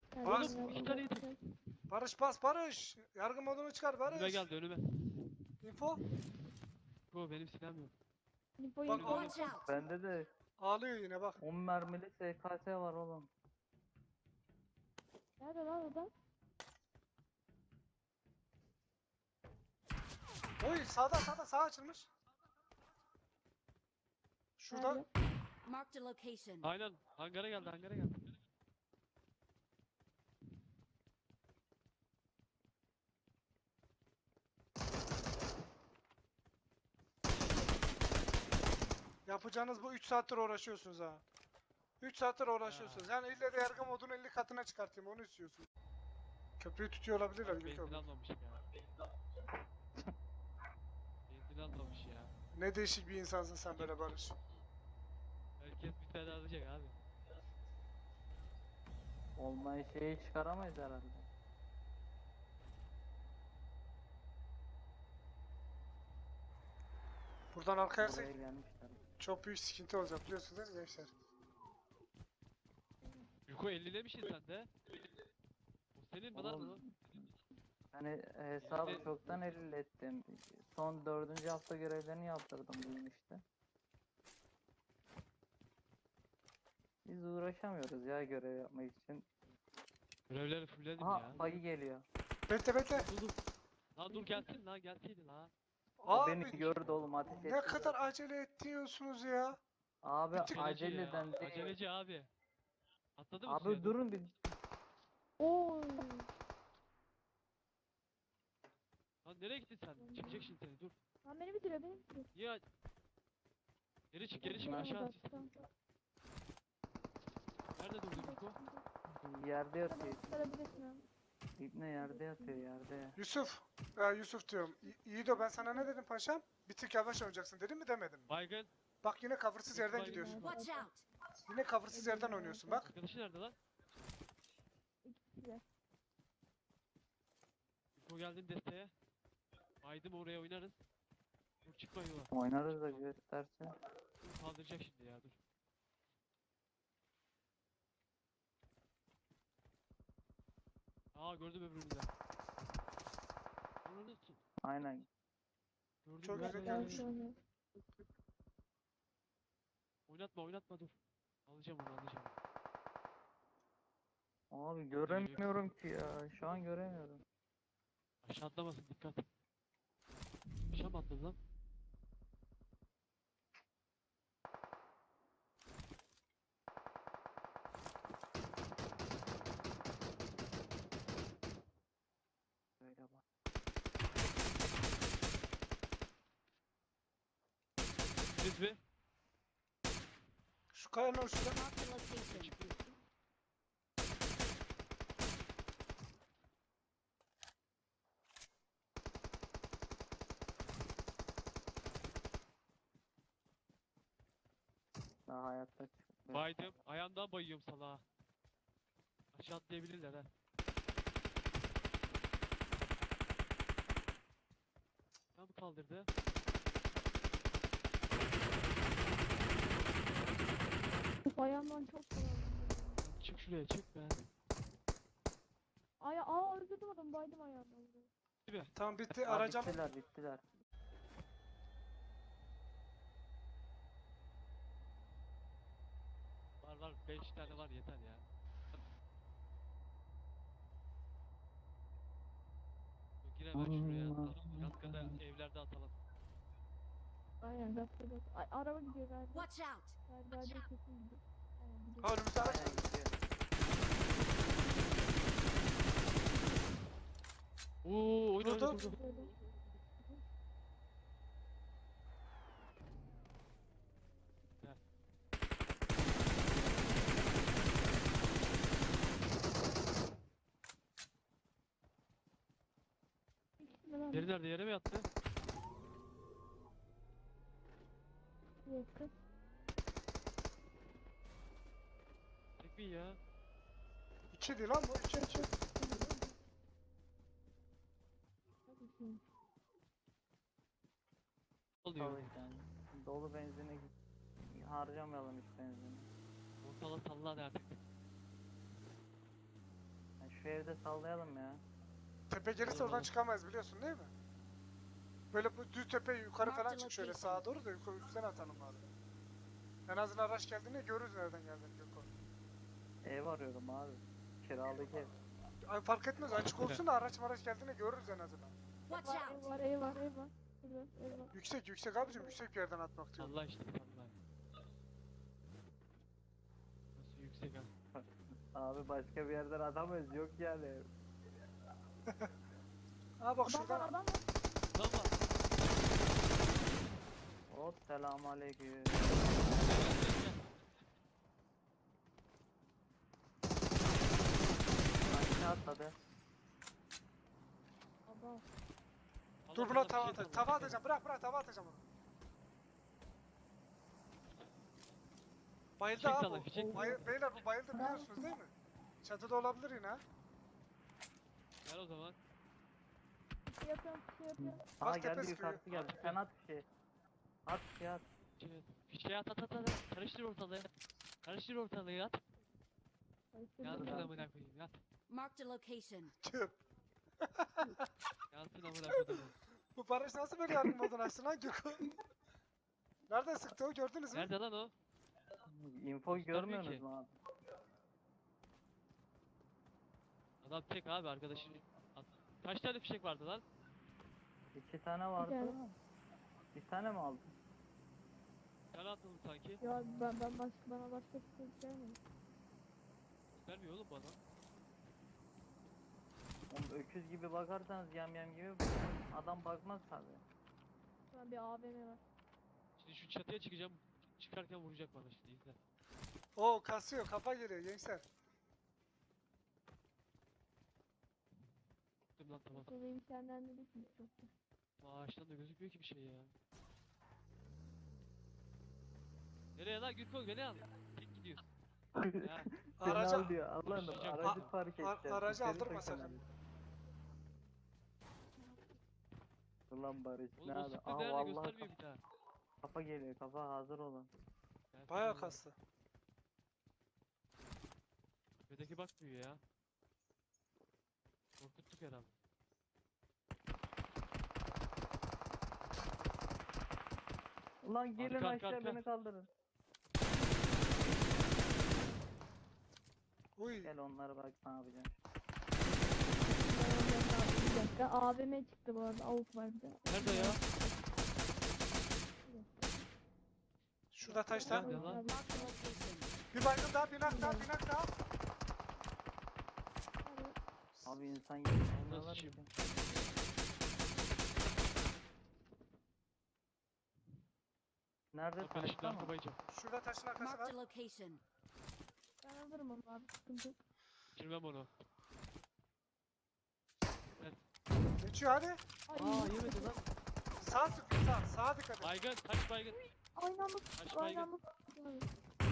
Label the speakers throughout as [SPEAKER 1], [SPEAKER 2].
[SPEAKER 1] Bas.
[SPEAKER 2] Oğlum 2 tane yedim.
[SPEAKER 1] Barış bas Barış. Yargı modunu çıkar
[SPEAKER 2] Önüme
[SPEAKER 1] Barış.
[SPEAKER 2] geldi önüme.
[SPEAKER 1] Info.
[SPEAKER 2] Bu benim silahım yok.
[SPEAKER 1] Bak
[SPEAKER 2] Önümde.
[SPEAKER 3] Watch out!
[SPEAKER 4] Bende de
[SPEAKER 1] ağlıyor yine bak.
[SPEAKER 4] 10 mermili SKS var oğlum.
[SPEAKER 5] Nerede lan adam?
[SPEAKER 1] Oy sağda sağ açılmış. Şurada.
[SPEAKER 5] Nerede?
[SPEAKER 3] Marked a location.
[SPEAKER 2] Aynen. Hangara geldi hangara geldi.
[SPEAKER 1] Yapacağınız bu 3 saattir uğraşıyorsunuz ha. 3 saattir uğraşıyorsunuz. Yani ille de yargı modunu 50 katına çıkartayım onu istiyorsun. Köprüyü tutuyor olabilirler
[SPEAKER 2] Benzin
[SPEAKER 1] Gökhan.
[SPEAKER 2] almamış ya. Benzin almamış ya.
[SPEAKER 1] Ne değişik bir insansın sen böyle Barış.
[SPEAKER 2] Herkes bir tane alacak abi.
[SPEAKER 4] Olmayan şeyi çıkaramayız herhalde.
[SPEAKER 1] Buradan arkaya
[SPEAKER 4] Buraya gelmişler.
[SPEAKER 1] çok büyük sıkıntı olacak biliyorsunuz değil mi gençler?
[SPEAKER 2] Yuko 50'lemişsin sen de. O senin mi lan
[SPEAKER 4] Oğlum,
[SPEAKER 2] o?
[SPEAKER 4] Hani hesabı çoktan ettim. Son 4. hafta görevlerini yaptırdım bugün işte. Biz uğraşamıyoruz ya görev yapmak için.
[SPEAKER 2] Görevleri fullledim
[SPEAKER 4] Aha
[SPEAKER 2] ya.
[SPEAKER 4] bayı geliyor.
[SPEAKER 1] Bekle.
[SPEAKER 2] Dur dur. Lan dur gelsin lan gelseydin lan.
[SPEAKER 4] O beni
[SPEAKER 1] Abi
[SPEAKER 4] gördü oğlum ateş etti.
[SPEAKER 1] ne kadar acele ediyorsunuz ya.
[SPEAKER 4] Abi
[SPEAKER 1] Bitir-
[SPEAKER 4] aceleden
[SPEAKER 2] ya.
[SPEAKER 4] değil.
[SPEAKER 2] Aceleci abi. Atladı mı
[SPEAKER 4] Abi
[SPEAKER 2] suya?
[SPEAKER 4] durun bir.
[SPEAKER 5] Oy.
[SPEAKER 2] Lan nereye gittin sen? Çıkacak şimdi seni dur.
[SPEAKER 5] Lan beni bitiriyor beni bitiriyor.
[SPEAKER 2] Niye? Geri çık geri çık
[SPEAKER 4] Ben-
[SPEAKER 2] aşağı at.
[SPEAKER 5] Tamam.
[SPEAKER 2] Nerede durdun Yuko?
[SPEAKER 4] Yerde yatıyor.
[SPEAKER 5] Çıkarabilirsin abi.
[SPEAKER 4] İbne yerde yatıyor yerde.
[SPEAKER 1] Yusuf. Yusuf diyorum. Yiğido ben sana ne dedim paşam? Bir tık yavaş oynayacaksın dedim mi demedim mi?
[SPEAKER 2] Baygın.
[SPEAKER 1] Bak yine cover'sız yerden
[SPEAKER 2] Baygın.
[SPEAKER 1] gidiyorsun.
[SPEAKER 3] Watch out!
[SPEAKER 1] Yine cover'sız yerden oynuyorsun bak.
[SPEAKER 2] Arkadaşı nerede lan?
[SPEAKER 5] İkisi de.
[SPEAKER 2] Yuko geldin desteğe. Baydım oraya oynarız. Dur çıkma yola.
[SPEAKER 4] Oynarız da gösterse.
[SPEAKER 2] Dur kaldıracak şimdi ya dur. Aa gördüm öbürünü de. Onu tut.
[SPEAKER 4] Aynen.
[SPEAKER 2] Gördüm
[SPEAKER 1] Çok
[SPEAKER 2] gördüm,
[SPEAKER 1] güzel
[SPEAKER 2] gördüm.
[SPEAKER 1] gelmiş.
[SPEAKER 5] Sonra.
[SPEAKER 2] Oynatma dur. Alacağım onu alacağım.
[SPEAKER 4] Abi göremiyorum ki ya. Şu an göremiyorum.
[SPEAKER 2] Aşağı atlamasın dikkat. Aşağı mı atladı lan?
[SPEAKER 4] Böyle bak.
[SPEAKER 2] Biz mi?
[SPEAKER 1] Şu kayanın uçunda.
[SPEAKER 3] Marked a location.
[SPEAKER 4] Daha hayatta çıkıyor.
[SPEAKER 2] Baydım. Ayağımdan bayıyorum salağa. Aşağı atlayabilirler ha. Tam kaldırdı.
[SPEAKER 5] Uf, ayağımdan çok kolay.
[SPEAKER 2] Çık şuraya çık be.
[SPEAKER 5] Öldürdüm adamı baydım ayağımdan.
[SPEAKER 2] Değil mi?
[SPEAKER 1] Tamam bitti
[SPEAKER 4] Abi
[SPEAKER 1] arayacağım.
[SPEAKER 4] bittiler.
[SPEAKER 2] Var 5 tane var yeter ya. Yine ben şuraya atalım. Yatkada evlerde atalım.
[SPEAKER 5] Aynen gazetede. Ay araba gidiyor galiba.
[SPEAKER 3] Watch out!
[SPEAKER 5] Galiba değil kesin gidiyor. Aynen gidiyor.
[SPEAKER 1] Ha önümüzde araç.
[SPEAKER 4] Aynen gidiyor.
[SPEAKER 2] Oo oyna
[SPEAKER 1] Durdu.
[SPEAKER 2] oyna durdu.
[SPEAKER 5] Böyle.
[SPEAKER 2] Gel.
[SPEAKER 5] İkisi de lan.
[SPEAKER 2] Yeri nerede yere mi yattı?
[SPEAKER 5] Yakın.
[SPEAKER 2] Tek mi ya?
[SPEAKER 1] İki değil lan bu iki.
[SPEAKER 5] Tabii ki.
[SPEAKER 2] Oluyor.
[SPEAKER 4] Tabii yani. Dolu benzine harcamayalım hiç benzini.
[SPEAKER 2] Ortalık salla artık.
[SPEAKER 4] şu evde sallayalım ya.
[SPEAKER 1] Tepe gelirse oradan çıkamayız biliyorsun değil mi? Böyle bu düz tepe yukarı falan çık şöyle sağa doğru da yukarı üstten atalım abi. En azından araç geldiğinde görürüz nereden geldiğini Gökhan.
[SPEAKER 4] Ev arıyorum abi. Kiralık ev.
[SPEAKER 1] Abi fark etmez açık olsun da araç geldiğinde görürüz en azından.
[SPEAKER 3] Watch
[SPEAKER 5] Var,
[SPEAKER 3] out!
[SPEAKER 5] ev var, ev var, ev var. Şurada ev var.
[SPEAKER 1] Yüksek abicim yüksek bir yerden atmak diyorum.
[SPEAKER 2] Allah işte Allah. Nasıl yüksek ha?
[SPEAKER 4] Abi başka bir yerden atamayız yok yani.
[SPEAKER 1] Aa bak
[SPEAKER 5] Adam var,
[SPEAKER 1] şuradan
[SPEAKER 5] adam var.
[SPEAKER 2] Lan var.
[SPEAKER 4] Hop selamünaleyküm. Aşağı atladı.
[SPEAKER 5] Adam.
[SPEAKER 1] dur buna tava atacağım. Tava atacağım. Bırak tava atacağım onu. Bayıldı
[SPEAKER 2] Fişek
[SPEAKER 1] abi
[SPEAKER 2] salla,
[SPEAKER 1] bu.
[SPEAKER 2] fişek.
[SPEAKER 1] Beyler bu bayıldı biliyorsunuz değil mi? Çatıda olabilir yine ha.
[SPEAKER 2] Gel o zaman.
[SPEAKER 5] Bir şey yapıyorum, bir şey yapıyorum.
[SPEAKER 4] Aa
[SPEAKER 1] Bak
[SPEAKER 4] geldi
[SPEAKER 1] tepesi
[SPEAKER 4] yukarısı geldi. Sen at bir şey. At bir şey at.
[SPEAKER 2] Fişeği at. Karıştır ortalığı. Karıştır ortalığı at.
[SPEAKER 5] Karıştırdım
[SPEAKER 2] Yansın
[SPEAKER 5] ben.
[SPEAKER 2] amına koyayım yat.
[SPEAKER 3] Marked a location.
[SPEAKER 1] Tüp.
[SPEAKER 2] Yansın amına koyayım.
[SPEAKER 1] Bu Barış nasıl böyle yardım modunu açtı lan Gökhan? Nereden sıktı o gördünüz mü?
[SPEAKER 2] Nerede lan o?
[SPEAKER 4] Info
[SPEAKER 2] Göstermiyor
[SPEAKER 4] görmüyorsunuz
[SPEAKER 2] ki.
[SPEAKER 4] mu abi?
[SPEAKER 2] Adam tek abi arkadaşın. Kaç tane fişek vardı lan?
[SPEAKER 4] 2 tane vardı
[SPEAKER 5] tane.
[SPEAKER 4] ama. Bir tane mi aldın?
[SPEAKER 2] Bir tane atıldı sanki.
[SPEAKER 5] Ya bana başka bir şey gelmiyor.
[SPEAKER 2] Vermiyor oğlum bana.
[SPEAKER 4] Oğlum öküz gibi bakarsanız yam gibi adam bakmaz tabi.
[SPEAKER 5] Şu an bir AVM var.
[SPEAKER 2] Şimdi şu çatıya çıkacağım. Çıkarken vuracak bana şimdi izle.
[SPEAKER 1] Oo kasıyor kafa geliyor gençler.
[SPEAKER 2] Gittim lan tamam.
[SPEAKER 5] Şurada imkanlarını düşmüş çoktu.
[SPEAKER 2] Ağaçtan da gözükmüyor ki bir şey ya. Nereye lan Gürkol beni al. Tek gidiyorsun. Ya
[SPEAKER 1] Araca,
[SPEAKER 4] Al diyor Allah'ım
[SPEAKER 2] Koşacağım.
[SPEAKER 4] aracı fark edeceğiz.
[SPEAKER 1] aracı
[SPEAKER 4] İçeri
[SPEAKER 1] aldırma
[SPEAKER 4] sakın
[SPEAKER 1] sakın.
[SPEAKER 4] abi. Ulan Barış
[SPEAKER 2] oğlum
[SPEAKER 4] ne
[SPEAKER 2] o
[SPEAKER 4] abi?
[SPEAKER 2] sıktı
[SPEAKER 4] Aa
[SPEAKER 2] nerede
[SPEAKER 4] vallahi
[SPEAKER 2] göstermiyor bir daha.
[SPEAKER 4] kafa geliyor kafa hazır olun.
[SPEAKER 2] Gelsin
[SPEAKER 1] bayağı
[SPEAKER 2] oğlum.
[SPEAKER 1] kastı.
[SPEAKER 2] Tepedeki bakmıyor ya. Korkuttuk herhalde.
[SPEAKER 4] Ulan gelin
[SPEAKER 2] Arka,
[SPEAKER 4] aşağı
[SPEAKER 2] arka.
[SPEAKER 4] beni kaldırın.
[SPEAKER 1] Uy.
[SPEAKER 4] Gel onlara bak ne yapacağım.
[SPEAKER 5] Bir dakika AVM çıktı bu arada. Avuk var bir de.
[SPEAKER 2] Nerede ya?
[SPEAKER 1] Şurada taşta.
[SPEAKER 2] Nerede lan?
[SPEAKER 3] Marked a location.
[SPEAKER 1] Bir baygın daha binak daha.
[SPEAKER 4] Abi insan gibi olmuyorlar
[SPEAKER 2] Nasıl
[SPEAKER 4] ki. Nerede
[SPEAKER 2] Arkadaşlar
[SPEAKER 4] taşta mı?
[SPEAKER 2] arka bayacağım.
[SPEAKER 1] Şurada taşın arkası
[SPEAKER 3] Marked
[SPEAKER 1] var.
[SPEAKER 3] a location.
[SPEAKER 5] Ben alırım onu abi. Sıkıntı yok.
[SPEAKER 2] Bitirmem onu.
[SPEAKER 1] Geçiyor hadi.
[SPEAKER 5] Ay,
[SPEAKER 2] Yemedi lan.
[SPEAKER 1] Sağ sıkıyor sağ. Sağa dikkat et.
[SPEAKER 2] Baygın taş baygın.
[SPEAKER 5] Aynı anda
[SPEAKER 2] Taş
[SPEAKER 5] aynı
[SPEAKER 2] baygın.
[SPEAKER 5] anda abi.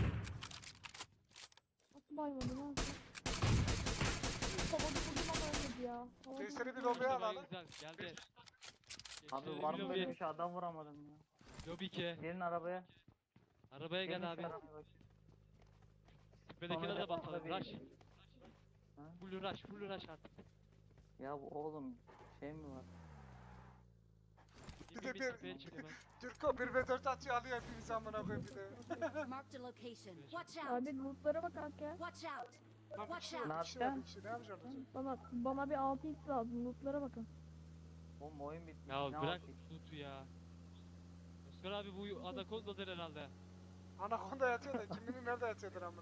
[SPEAKER 5] Atı baymadı ne yapayım? Havada vurdum ama ölmedi ya. Havada
[SPEAKER 1] Testere bir
[SPEAKER 5] vurdum.
[SPEAKER 1] lobiye
[SPEAKER 2] İşte
[SPEAKER 1] alalım.
[SPEAKER 2] baygın güzel geldi.
[SPEAKER 4] Abi
[SPEAKER 2] Geçti,
[SPEAKER 4] var mı
[SPEAKER 2] lobi.
[SPEAKER 4] böyle bir şey adam vuramadım ya.
[SPEAKER 2] Lobi ki.
[SPEAKER 4] Gelin arabaya.
[SPEAKER 2] Arabaya
[SPEAKER 4] Gelin
[SPEAKER 2] gel
[SPEAKER 4] şu
[SPEAKER 2] abi.
[SPEAKER 4] arabaya bak.
[SPEAKER 2] Tepedekine
[SPEAKER 4] Sonra
[SPEAKER 2] de basalım.
[SPEAKER 4] tabii-
[SPEAKER 2] Rush.
[SPEAKER 4] Ha?
[SPEAKER 2] Full rush artık.
[SPEAKER 4] Ya bu oğlum şey mi var?
[SPEAKER 1] Bir de
[SPEAKER 2] Bir
[SPEAKER 1] bir-
[SPEAKER 2] tepeye çık hemen.
[SPEAKER 1] Türko 1v4 atıyor alıyor hepimizi amına koyayım bir de.
[SPEAKER 3] Marked a location. Watch out!
[SPEAKER 5] Abi lootlara bak kanka ya.
[SPEAKER 3] Watch out!
[SPEAKER 1] Lan bir
[SPEAKER 3] Watch
[SPEAKER 1] kişi
[SPEAKER 3] out.
[SPEAKER 1] var, bir kişi var, bir kişi. Ne yapacağım hocam?
[SPEAKER 5] Bana bir 6x lazım. Lootlara bakın.
[SPEAKER 4] Oğlum oyun bitmiş.
[SPEAKER 2] Ya
[SPEAKER 4] ne
[SPEAKER 2] bırak
[SPEAKER 4] yapayım?
[SPEAKER 2] loot'u ya. Özkan abi bu Anaconda'dır herhalde.
[SPEAKER 1] Anakonda yatıyor da kiminin nerede yatıyordur amına.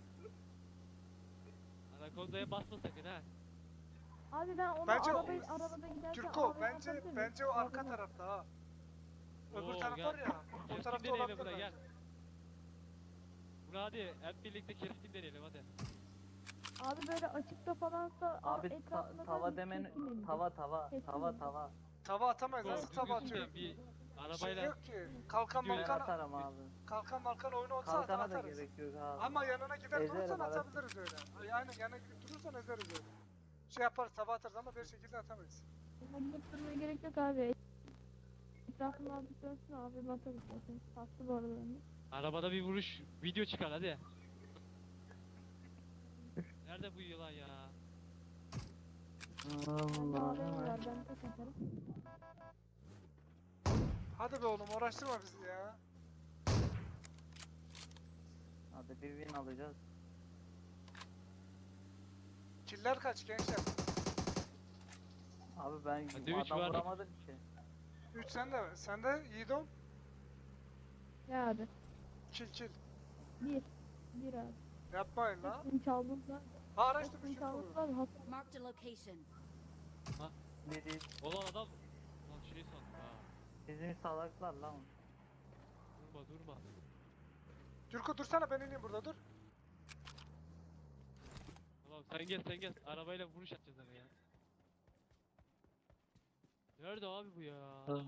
[SPEAKER 2] Anaconda'ya basma sakın ha.
[SPEAKER 5] Abi ben onu
[SPEAKER 1] Bence o-
[SPEAKER 5] arabada giderken
[SPEAKER 1] Türko
[SPEAKER 5] AVM
[SPEAKER 1] bence
[SPEAKER 5] atabilir miyim?
[SPEAKER 1] bence o arka
[SPEAKER 5] AVM.
[SPEAKER 1] tarafta ha. Öbür
[SPEAKER 2] Oo,
[SPEAKER 1] taraf
[SPEAKER 2] gel.
[SPEAKER 1] var ya. O
[SPEAKER 2] Kestim
[SPEAKER 1] tarafta
[SPEAKER 2] deneyelim
[SPEAKER 1] olabilir
[SPEAKER 2] buna
[SPEAKER 1] bence.
[SPEAKER 2] gel. Buna hadi hep birlikte kestim deneyelim hadi.
[SPEAKER 5] Abi böyle açıkta falansa
[SPEAKER 4] Abi
[SPEAKER 5] etrafına
[SPEAKER 4] tava
[SPEAKER 5] falan
[SPEAKER 4] demen
[SPEAKER 5] kesin
[SPEAKER 4] tava
[SPEAKER 5] Kesin.
[SPEAKER 4] tava.
[SPEAKER 1] Tava atamayız.
[SPEAKER 2] Doğru,
[SPEAKER 1] Nasıl tava
[SPEAKER 2] düzgün
[SPEAKER 1] atıyor?
[SPEAKER 2] bir
[SPEAKER 1] Şey
[SPEAKER 2] arabayla
[SPEAKER 1] yok ki. Kalkan
[SPEAKER 2] Videoya
[SPEAKER 4] Ben
[SPEAKER 1] malkan
[SPEAKER 4] atarım abi.
[SPEAKER 1] oyunu olsa atar
[SPEAKER 4] Kalkana da
[SPEAKER 1] atarız.
[SPEAKER 4] gerek yok abi.
[SPEAKER 1] Ama yanına gider
[SPEAKER 4] Ezerim,
[SPEAKER 1] durursan
[SPEAKER 4] evet.
[SPEAKER 1] atabiliriz öyle. Aynen yanına gidip durursan ezeriz öyle. Şey yaparız tava atarız ama bir şekilde atamayız.
[SPEAKER 5] Ama gidip durmaya gerek yok abi. Etrafını azıcık dönsün abi bakarız zaten. Hastı bu arada bende.
[SPEAKER 2] arabada bir vuruş video çıkar hadi. Nerede bu yılan ya?
[SPEAKER 5] Bende AVM var ben tek atarım.
[SPEAKER 1] Hadi be oğlum uğraştırma bizi ya.
[SPEAKER 4] Hadi bir win alacağız.
[SPEAKER 1] Killer kaç gençler?
[SPEAKER 4] Abi ben
[SPEAKER 2] Hadi üç
[SPEAKER 4] adam
[SPEAKER 2] var.
[SPEAKER 4] vuramadım ki.
[SPEAKER 1] 3 sende mi? Sende Yiğidom.
[SPEAKER 5] Ya abi.
[SPEAKER 1] Kill.
[SPEAKER 5] Bir abi.
[SPEAKER 1] Yapmayın la.
[SPEAKER 5] Hepsini çaldım da.
[SPEAKER 1] Ha araçta bir
[SPEAKER 5] Hepsini
[SPEAKER 1] şey
[SPEAKER 5] çaldım
[SPEAKER 1] koyuyor.
[SPEAKER 5] da hasar.
[SPEAKER 3] Marked a location.
[SPEAKER 4] Ne değil.
[SPEAKER 2] Olan adam. Lan şey sandım ha.
[SPEAKER 4] Bizim salaklar lan.
[SPEAKER 2] Durma.
[SPEAKER 1] Türko dursana ben ineyim burada dur.
[SPEAKER 2] Tamam sen gel. Arabayla vuruş atacağız aga ya. Nerede abi bu ya?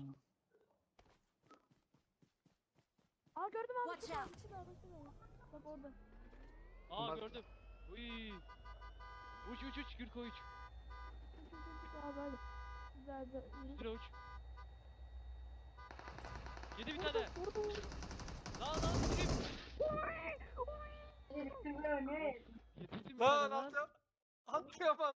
[SPEAKER 5] Aa gördüm abi.
[SPEAKER 3] Watch out.
[SPEAKER 5] Şurada. Bak orada.
[SPEAKER 2] Aa
[SPEAKER 1] Bak.
[SPEAKER 2] gördüm. Uy. Uç Gürko uç.
[SPEAKER 5] Abi hadi. Güzel.
[SPEAKER 2] Üstüne uç. Yedi bir tane.
[SPEAKER 5] Vurdum.
[SPEAKER 2] Lan vurayım. Yedirdim bir
[SPEAKER 1] Lan
[SPEAKER 2] tane lan.
[SPEAKER 1] atlayamam.